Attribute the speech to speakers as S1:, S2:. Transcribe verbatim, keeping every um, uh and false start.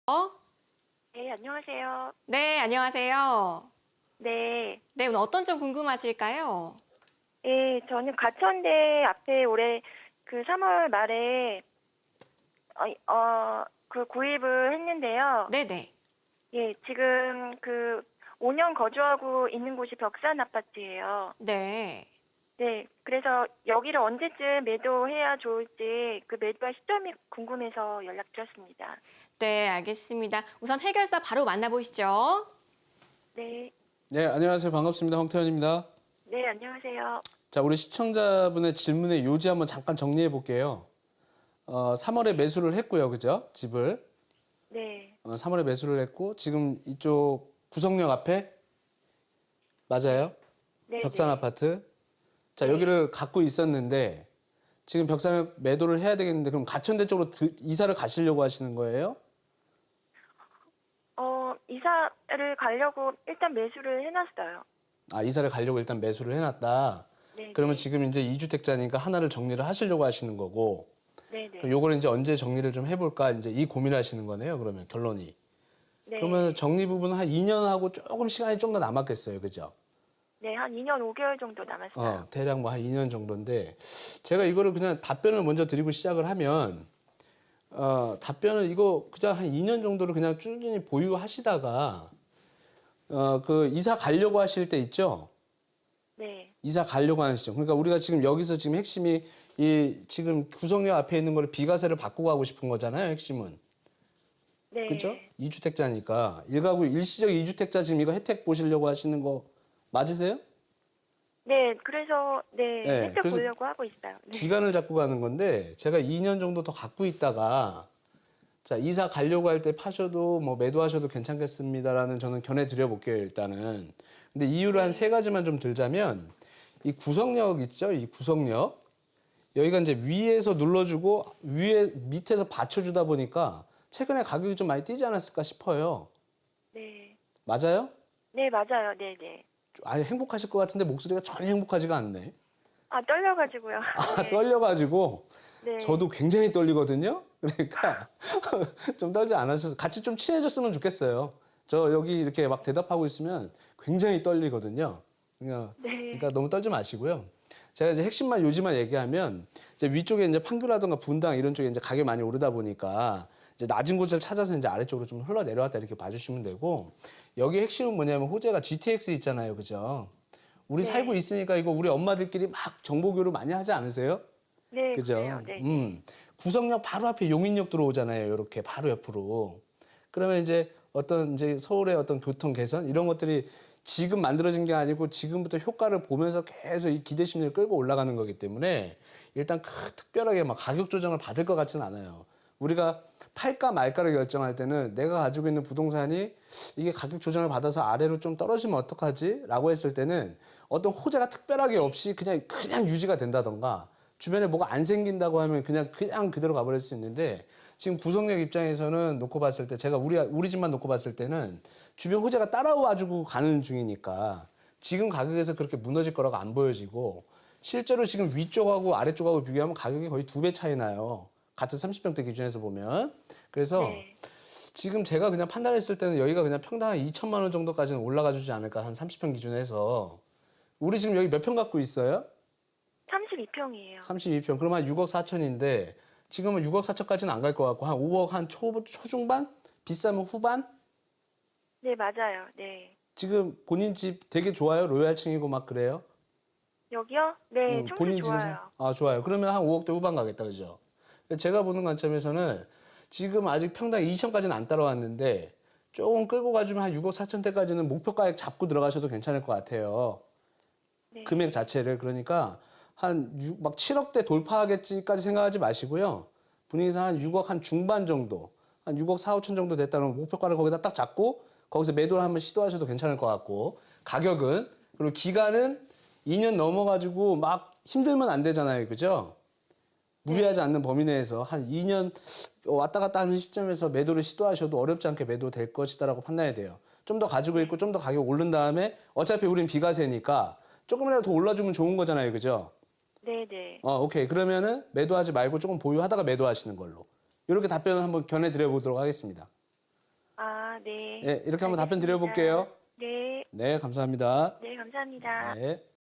S1: 어?
S2: 네, 안녕하세요.
S1: 네, 안녕하세요.
S2: 네.
S1: 네, 오늘 어떤 점 궁금하실까요?
S2: 예, 저는 가천대 앞에 올해 그 삼월 말에 어, 어, 그 구입을 했는데요.
S1: 네네.
S2: 예, 지금 그 오 년 거주하고 있는 곳이 벽산 아파트예요.
S1: 네.
S2: 네, 그래서 여기를 언제쯤 매도해야 좋을지 그 매도할 시점이 궁금해서 연락드렸습니다.
S1: 네, 알겠습니다. 우선 해결사 바로 만나보시죠.
S2: 네,
S3: 네, 안녕하세요. 반갑습니다. 황태현입니다.
S2: 네, 안녕하세요.
S3: 자, 우리 시청자분의 질문의 요지 한번 잠깐 정리해 볼게요. 어, 삼월에 매수를 했고요. 그죠? 집을.
S2: 네,
S3: 어, 삼월에 매수를 했고, 지금 이쪽 구성역 앞에, 맞아요?
S2: 네,
S3: 벽산
S2: 네.
S3: 아파트. 자,
S2: 네.
S3: 여기를 갖고 있었는데, 지금 벽산을 매도를 해야 되겠는데, 그럼 가천대 쪽으로 드- 이사를 가시려고 하시는 거예요?
S2: 어, 이사를 가려고 일단 매수를 해놨어요.
S3: 아, 이사를 가려고 일단 매수를 해놨다.
S2: 네,
S3: 그러면
S2: 네.
S3: 지금 이제 이주택자니까 하나를 정리를 하시려고 하시는 거고,
S2: 네, 네.
S3: 그럼 요거를 이제 언제 정리를 좀 해볼까 이제 이 고민하시는 거네요. 그러면 결론이.
S2: 네.
S3: 그러면 정리 부분은 한 이 년 하고 조금 시간이 좀 더 남았겠어요. 그죠?
S2: 네, 한 이 년 오 개월 정도 남았어요.
S3: 어, 대략 뭐 한 이 년 정도인데 제가 이거를 그냥 답변을 먼저 드리고 시작을 하면 어, 답변은 이거 그냥 한 이 년 정도를 그냥 꾸준히 보유하시다가 어, 그 이사 가려고 하실 때 있죠?
S2: 네.
S3: 이사 가려고 하는 시점. 그러니까 우리가 지금 여기서 지금 핵심이 이 지금 구성역 앞에 있는 거를 비과세를 받고 가고 싶은 거잖아요. 핵심은.
S2: 네.
S3: 그죠? 이주택자니까. 일가구 일시적 이주택자 지금 이거 혜택 보시려고 하시는 거 맞으세요?
S2: 네, 그래서 네,
S3: 네,
S2: 혜택
S3: 그래서
S2: 보려고 하고 있어요. 네.
S3: 기간을 잡고 가는 건데 제가 이 년 정도 더 갖고 있다가 자, 이사 가려고 할 때 파셔도 뭐 매도하셔도 괜찮겠습니다라는 저는 견해 드려 볼게요, 일단은. 근데 이유를 한 세 가지만 좀 들자면 이 구성력 있죠? 이 구성력. 여기가 이제 위에서 눌러주고 위에 밑에서 받쳐주다 보니까 최근에 가격이 좀 많이 뛰지 않았을까 싶어요.
S2: 네.
S3: 맞아요?
S2: 네, 맞아요. 네, 네.
S3: 아예 행복하실 것 같은데 목소리가 전혀 행복하지가 않네.
S2: 아, 떨려가지고요.
S3: 아,
S2: 네.
S3: 떨려가지고
S2: 네.
S3: 저도 굉장히 떨리거든요. 그러니까 좀 떨지 않으셔서 같이 좀 친해졌으면 좋겠어요. 저 여기 이렇게 막 대답하고 있으면 굉장히 떨리거든요. 그러니까,
S2: 네.
S3: 그러니까 너무 떨지 마시고요. 제가 이제 핵심만 요지만 얘기하면 이제 위쪽에 이제 판교라든가 분당 이런 쪽에 이제 가격이 많이 오르다 보니까 이제 낮은 곳을 찾아서 이제 아래쪽으로 좀 흘러 내려왔다 이렇게 봐주시면 되고 여기 핵심은 뭐냐면 호재가 지티엑스 있잖아요, 그죠? 우리
S2: 네.
S3: 살고 있으니까 이거 우리 엄마들끼리 막 정보 교류 많이 하지 않으세요?
S2: 네,
S3: 그죠?
S2: 그래요. 네.
S3: 음. 구성역 바로 앞에 용인역 들어오잖아요. 이렇게 바로 옆으로. 그러면 이제 어떤 이제 서울의 어떤 교통 개선 이런 것들이 지금 만들어진 게 아니고 지금부터 효과를 보면서 계속 이 기대 심리를 끌고 올라가는 거기 때문에 일단 크, 특별하게 막 가격 조정을 받을 것 같지는 않아요. 우리가 팔까 말까를 결정할 때는 내가 가지고 있는 부동산이 이게 가격 조정을 받아서 아래로 좀 떨어지면 어떡하지? 라고 했을 때는 어떤 호재가 특별하게 없이 그냥 그냥 유지가 된다던가 주변에 뭐가 안 생긴다고 하면 그냥 그냥 그대로 가버릴 수 있는데 지금 구성역 입장에서는 놓고 봤을 때 제가 우리 우리 집만 놓고 봤을 때는 주변 호재가 따라와주고 가는 중이니까 지금 가격에서 그렇게 무너질 거라고 안 보여지고 실제로 지금 위쪽하고 아래쪽하고 비교하면 가격이 거의 두 배 차이 나요. 같은 삼십 평대 기준에서 보면. 그래서
S2: 네.
S3: 지금 제가 그냥 판단했을 때는 여기가 그냥 평당 한 이천만 원 정도까지는 올라가 주지 않을까 한 삼십 평 기준에서. 우리 지금 여기 몇 평 갖고 있어요?
S2: 삼십이 평이에요.
S3: 삼십이 평. 그럼 한 육억 사천인데 지금은 육억 사천까지는 안 갈 것 같고 한 오억 한 초, 초중반? 비싸면 후반?
S2: 네, 맞아요. 네.
S3: 지금 본인 집 되게 좋아요? 로얄층이고 막 그래요?
S2: 여기요? 네,
S3: 음,
S2: 청소
S3: 본인 집은
S2: 좋아요.
S3: 사- 아, 좋아요. 그러면 한 오억대 후반 가겠다. 그죠? 제가 보는 관점에서는 지금 아직 평당 이천까지는 안 따라왔는데 조금 끌고 가주면 한 육억 사천대까지는 목표가액 잡고 들어가셔도 괜찮을 것 같아요.
S2: 네.
S3: 금액 자체를. 그러니까 한 육, 막 칠억대 돌파하겠지까지 생각하지 마시고요. 분위기상 한 육억 한 중반 정도, 한 육억 사오천 정도 됐다는 목표가를 거기다 딱 잡고 거기서 매도를 한번 시도하셔도 괜찮을 것 같고 가격은 그리고 기간은 이 년 넘어가지고 막 힘들면 안 되잖아요. 그죠? 무리하지 않는 범위 내에서 한 이 년 왔다 갔다 하는 시점에서 매도를 시도하셔도 어렵지 않게 매도될 것이다라고 판단해야 돼요. 좀 더 가지고 있고 좀 더 가격 오른 다음에 어차피 우린 비과세니까 조금이라도 더 올라주면 좋은 거잖아요. 그죠?
S2: 네, 네.
S3: 어, 오케이. 그러면은 매도하지 말고 조금 보유하다가 매도하시는 걸로. 이렇게 답변을 한번 견해 드려 보도록 하겠습니다.
S2: 아, 네.
S3: 예, 이렇게 한번 답변
S2: 알겠습니다.
S3: 드려볼게요.
S2: 네.
S3: 네, 감사합니다.
S2: 네, 감사합니다.
S3: 네.